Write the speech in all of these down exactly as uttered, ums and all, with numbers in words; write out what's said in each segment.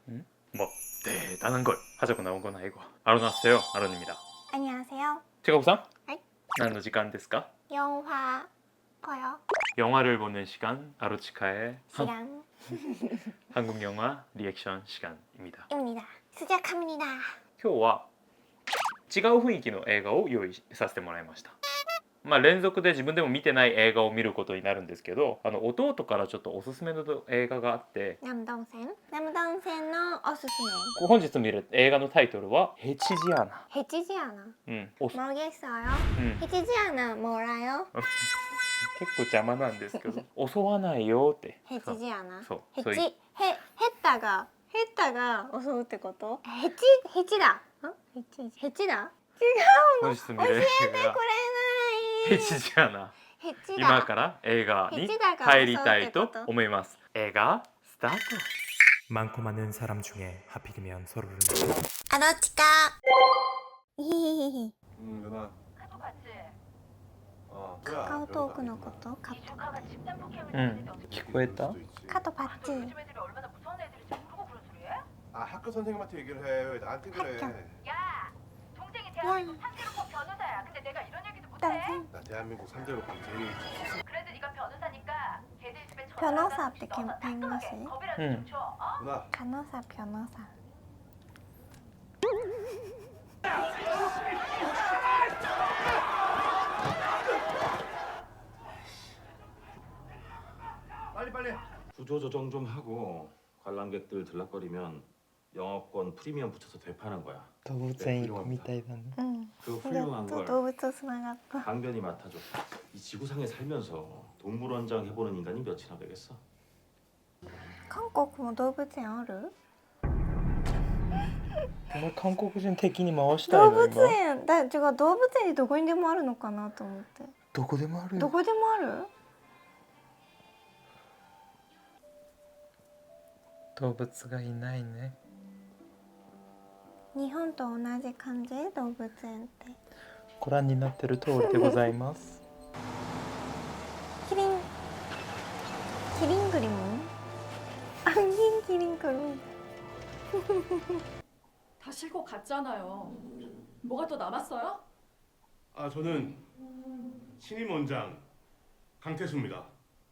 음? 뭐 대단한 걸 하자고 나온 건 아니고. 아로나세요, 아론입니다. 안녕하세요. 제가부상? 네. 나는 시간ですか? 영화 봐요. 영화를 보는 시간, 아로치카의 한, 시간 한국 영화 리액션 시간입니다. 입니다. 시작합니다. 今日は違う雰囲気の映画を用意させてもらいました。まあ連続で自分でも見てない映画を見ることになるんですけど、あの弟からちょっとおすすめの映画があって、 남동생 남동생のおすすめ。 本日見る映画のタイトルはヘチジアナ。 해치지않아. うん、おす 모르겠어요. うん、 해치지않아 몰라요? 結構邪魔なんですけど襲わないよって。 해치지않아. そう、そういう 해치 해 했다가 했다가襲うってこと? 해치 해치다. 어? 해치 해치다. 本日見る映画ヘチジアナ。 해치다. 今から映画に入りたいと思います。映画スタート。 많고 많은 사람 중에 하필이면 서로를 아로치카. 히히히히. 응 누나. 카톡 봤지? 어. 카카오톡のこと? 카톡. 조카가 집단 폭행을 응. 당했는데 聞こえた? 카톡 봤지? 요즘 애들이 얼마나 무서운 애들인지 모르고 그런 소리 해? 아 학교 선생님한테 얘기를 해. 왜 나한테 그래? 학교. 야! 동생이 대한민국 삼 대로법 변호사야. 근데 내가 이런 얘기도 못해? 동생. 나 대한민국 삼 대로 범죄인. 그래도 네가 변호사니까 걔들 집에 전화 변호사 와서 앞에 넣어서 캠페인 따끔하게 거지. 겁이라도 응. 좀 줘. 어? 누나. 변호사 변호사. 빨리 빨리. 구조 조정 좀 하고 관람객들 들락거리면 영업권 프리미엄 붙여서 되파는 거야. 動物園行くみたいだね。 응. 그 또 훌륭한 걸 動物とつながった. 강변이 맡아줘. 이 지구상에 살면서 동물원장 해보는 인간이 몇이나 되겠어? 韓国も動物園ある? お前韓国人敵に回したい動の今。 物園だ違う動物園どこにでもあるのかなと思って。 どこでもあるよ。 どこでもある? 動物がいないね。 日本と同じ感じ動物園って。 ご覧になってる通りでございます。 キリンキリン그림은? 안긴 기린 그림. 다 실고 갔잖아요. 뭐가 또 남았어요? 아 저는 신임 원장 강태수입니다.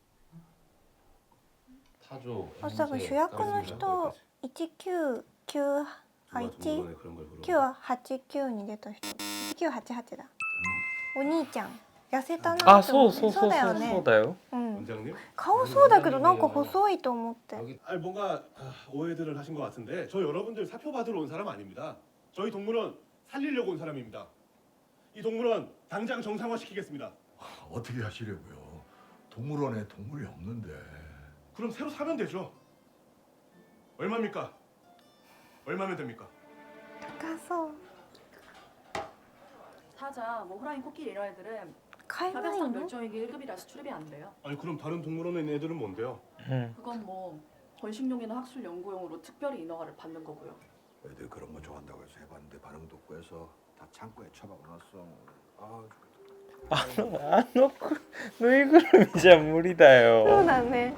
타조. 어, 多分主役の人いちきゅうきゅうあ 누가 いち 동물원에 그런 걸 물어봐. きゅうはちきゅうに出た人いちきゅうはちはちだ。お兄ちゃん痩せたなあ、 と思って。 そうそうそうそうだよね。 そうだよ。 うん。 원장님? 顔そうだけどなんか細いと思って。 아니 뭔가 아, 오해들을 하신 것 같은데 저 여러분들 사표 받으러 온 사람 아닙니다. 저희 동물원 살리려고 온 사람입니다. 이 동물원 당장 정상화 시키겠습니다. 어떻게 하시려고요? 동물원에 동물이 없는데. 그럼 새로 사면 되죠. 얼마입니까? 얼마면 됩니까? 高そう。 사자, 뭐 호랑이, 코끼리 이런 애들은 買えない 협약상 の? 멸종위기 일 급이라서 출입이 안 돼요. 아니 그럼 다른 동물원에 있는 애들은 뭔데요? 응. 그건 뭐 번식용이나 학술 연구용으로 특별히 인허가를 받는 거고요. 애들 그런 거 좋아한다고 해서 해봤는데 반응도 없고 해서 다 창고에 처박아놨어. 아, あのあのくぬいぐるみじゃ無理だそうよ。 だね。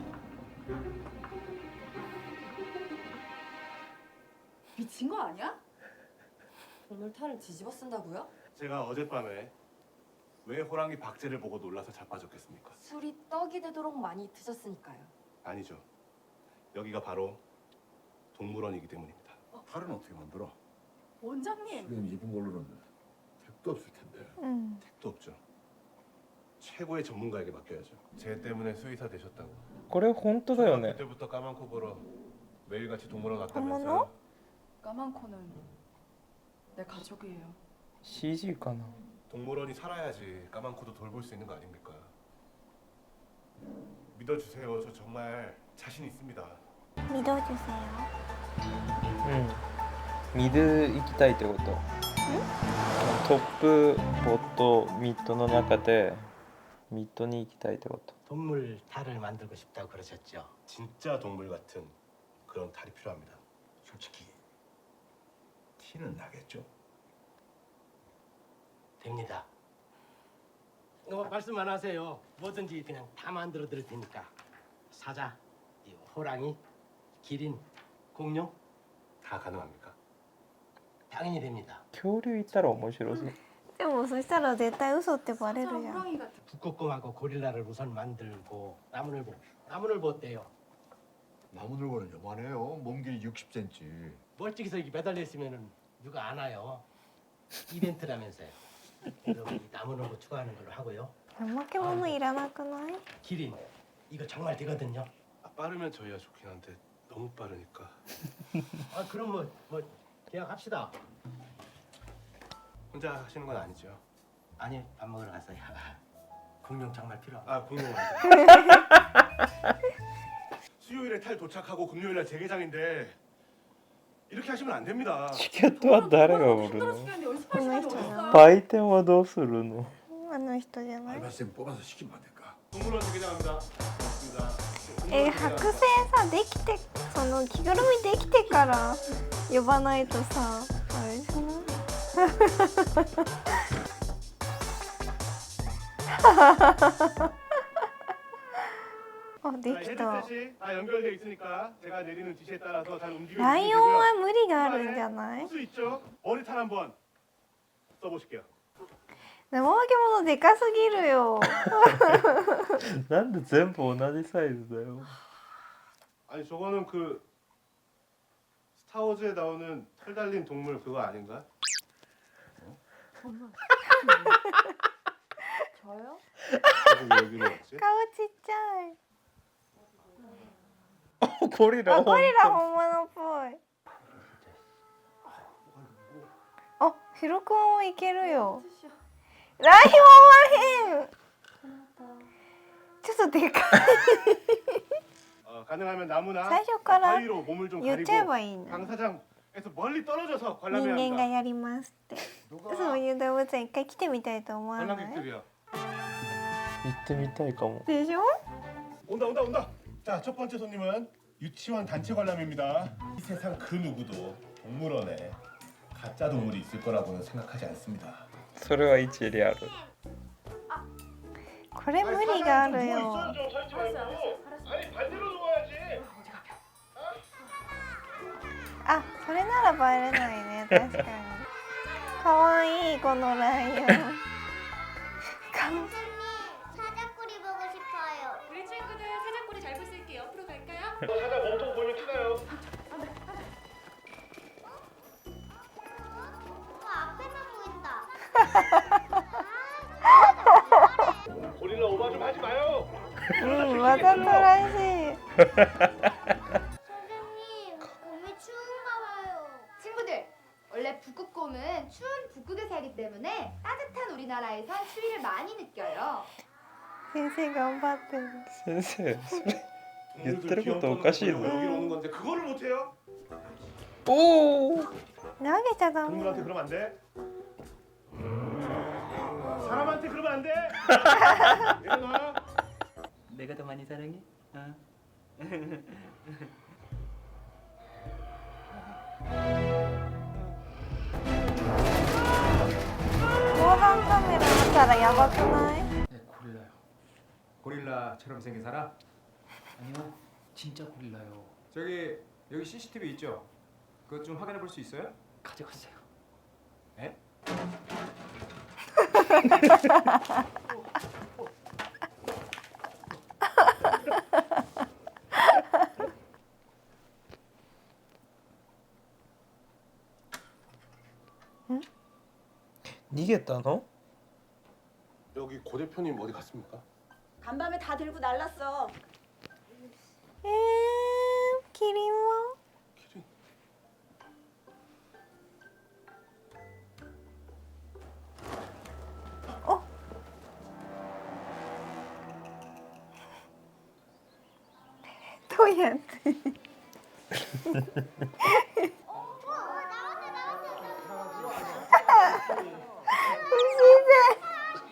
미친 거 아니야? 오늘 탈을 뒤집어 쓴다고요? 제가 어젯밤에 왜 호랑이 박제를 보고 놀라서 자빠졌겠습니까? 술이 떡이 되도록 많이 드셨으니까요. 아니죠. 여기가 바로 동물원이기 때문입니다. 탈은 어떻게 만들어? 원장님. 지금 입은 걸로는 택도 없을 텐데. 응. 택도 없죠. 최고의 전문가에게 맡겨야죠. 쟤 때문에 수의사 되셨다고. これ本当だよね。 그때부터 까만 코 보러 매일같이 동물원 어머나? 갔다면서요? 까만 코는 내 가족이에요. 씨지 かな。 동물원이 살아야지 까만 코도 돌볼 수 있는 거 아닙니까? 믿어주세요. 저 정말 자신 있습니다. 믿어주세요. うん。ミド行きたいってこと。トップボットミッドの中でミッドに行きたいってこと。 동물 탈을 만들고 싶다고 그러셨죠? 진짜 동물 같은 그런 탈이 필요합니다. 솔직히 티는 나겠죠? 됩니다. 어, 말씀만 하세요. 뭐든지 그냥 다 만들어 드릴 테니까. 사자, 이 호랑이, 기린, 공룡 다 가능합니까? 당연히 됩니다. 恐竜いたら面白そう。 でもそしたら絶対嘘ってバレ 진짜 るじゃん 호랑이 같아. 북극곰하고 고릴라를 우선 만들고 나무늘보. 나무늘보 어때요? 나무늘보는 요만해요. 몸 길이 육십 센티미터. 멀찍이서 이렇게 매달려 있으면은 누가 안 와요. 이벤트라면서요. 여러분 이 나무늘보 추가하는 걸로 하고요. 怠け者いらなくない 기린 이거 정말 되거든요. 아, 빠르면 저희가 좋긴 한데 너무 빠르니까. 아 그럼 뭐 뭐 계약합시다. 혼자 하시는 건 아니죠? 아니 밥 먹으러 갔어요. 공룡 정말 필요하고. 아 공룡 완전. 수요일에 탈 도착하고 금요일날 재개장인데 이렇게 하시면 안 됩니다. チケットは誰が売る 힘들어 の？ 죽겠는데 연습할 그 시간이 말이잖아. 어딨어요? 売店はどうするの？ あの人じゃない 알바생 뽑아서 시키면 안 될까? 동물원 재개장합니다. 맞습니다. え剥製さできてその着ぐるみできてから呼ばないとさあれじゃないあで 자, きた 헤드셋이 다 연결돼 있으니까 제가 내리는 지시에 따라서 잘 움직여 ライ 주시면 オン 되고요. は無理があるんじゃない 호수 있죠? 머리탄 한번 써보실게요. 怠け者でかすぎるよなんで全部同じサイズだよ。 아니 저거는 그 스타워즈에 나오는 털 달린 동물 그거 아닌가? 저요? 그래서 여기로 왔지? 顔ちっちゃいゴリラ。 あゴリラ本物っぽいあヒロ君もいけるよライオンは変ちょっとでかい 어, 가능하면 나무나 最初から 바위로 몸을 좀 言っちゃえ 가리고 ばいいの 당사장에서 멀리 떨어져서 관람해야 人間が 합니다. やりますってそういう動物園一回来てみたいと思わない 관람객들이요. 行ってみたいかも。 でしょ 온다 온다 온다. 자 첫 번째 손님은 유치원 단체 관람입니다. 이 세상 그 누구도 동물원에 가짜 동물이 있을 거라고는 생각하지 않습니다. それは一理ある。 これ無理があるよ 좀 설치 말고. 아니 반대로 놓아야지. あそれならバレないね確かにかわいいこのライオンか 사자꼬리 보고 싶어요. 우리 친구들 사자꼬리 잘 볼 수 있게 옆으로 갈까요? 사자 몸통 보면 티나요. 어, 앞에만 보인다. 고릴라 오바 좀 하지 마요. うんわざとらしい 선생님, 곰이 추운가 봐요. 친구들, 원래 북극곰은 추운 북극에 살기 때문에 따뜻한 우리나라에선 추위를 많이 느껴요. 先生頑張ってる先生、それ。 동물들 言ってること 귀염 おかしいぞ 떠는 여기로 오는 건데 그거를 못 해요? おお。 投げちゃダメ 동물한테 그러면 안 돼. 사람한테 그러면 안 돼. 일어나. 내가 더 많이 사랑해? 어? 防犯カメラ見たらやばくない 네, 고릴라요. 고릴라처럼 생긴 사람? 아니요, 진짜 고릴라요. 저기 여기 씨씨티비 있죠? 그것 좀 확인해 볼 수 있어요? 가져갔어요. 에? 응? 逃げたの? 여기 고 대표님 어디 갔습니까? 간밤에 다 들고 날랐어. えー、キリンは 키링. 어? 또やって不自然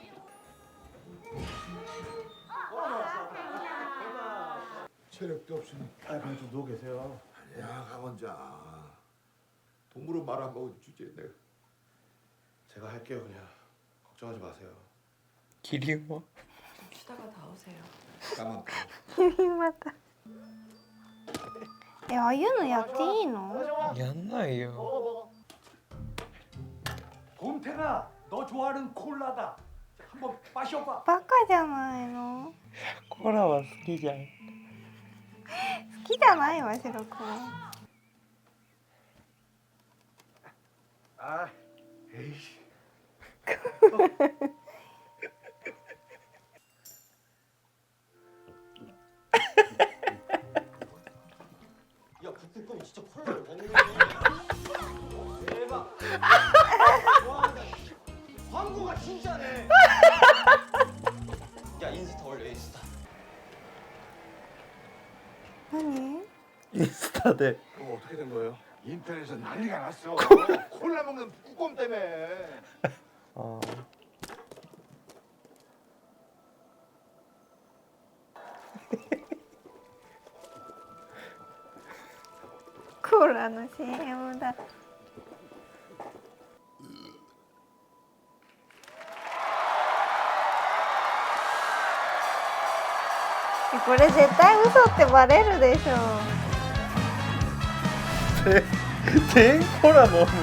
체력도 없으니. 아 그냥 좀 누워 계세요. 야 강원자. 동물은 말 안 먹은 주제에 내가. 제가 할게요 그냥. 걱정하지 마세요. キリンは? 쉬다가 나오세요. 까만. キリンまたえ、ああいうのやっていいの？ やんないよ。 곰탱아, 너 좋아하는 콜라다. 한번 마셔봐. バカじゃないの？ コラは好きじゃん。 好きじゃないわ、白くん。 아, 에이씨. 야 북극곰이 진짜 콜라를 먹는 대박. 와, 광고가 진짜네. 야 인스타 올려 인스타. 何？ 인스타데. 그거 어떻게 된 거예요? 인터넷에서 난리가 났어. 콜라 먹는 북극곰 때문에. 아. コーラの シーエム だ。これ絶対嘘ってバレるでしょ。 全コラのものなんだ。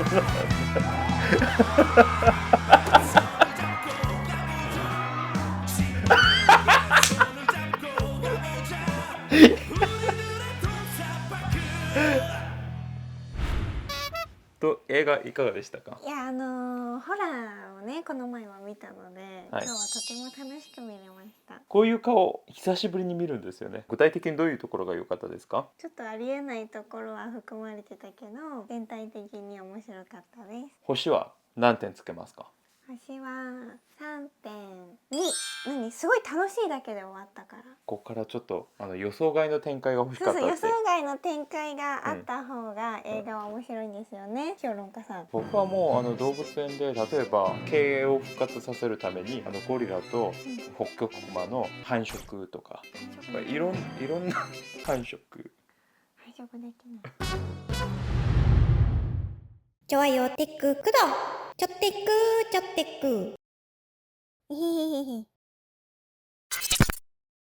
と映画いかがでしたか？ いや、あのー、ホラーをねこの前は見たので、 はい今日はとても楽しく見れました。 こういう顔久しぶりに見るんですよね。具体的にどういうところが良かったですか？ ちょっとありえないところは含まれてたけど、全体的に面白かったです。 星は何点つけますか？ 星は さんてんに。何、すごい楽しいだけで終わったから。 ここからちょっとあの予想外の展開が欲しかったって。 そうそう、予想外の展開があった方が映画は面白いんですよね、評論家さん。 僕はもうあの動物園で例えば経営を復活させるためにあのゴリラとホッキョクグマの繁殖とか、いろんいろんな繁殖。 繁殖できない。ちょわよテッククドちょってくちょってく。いひひひひ。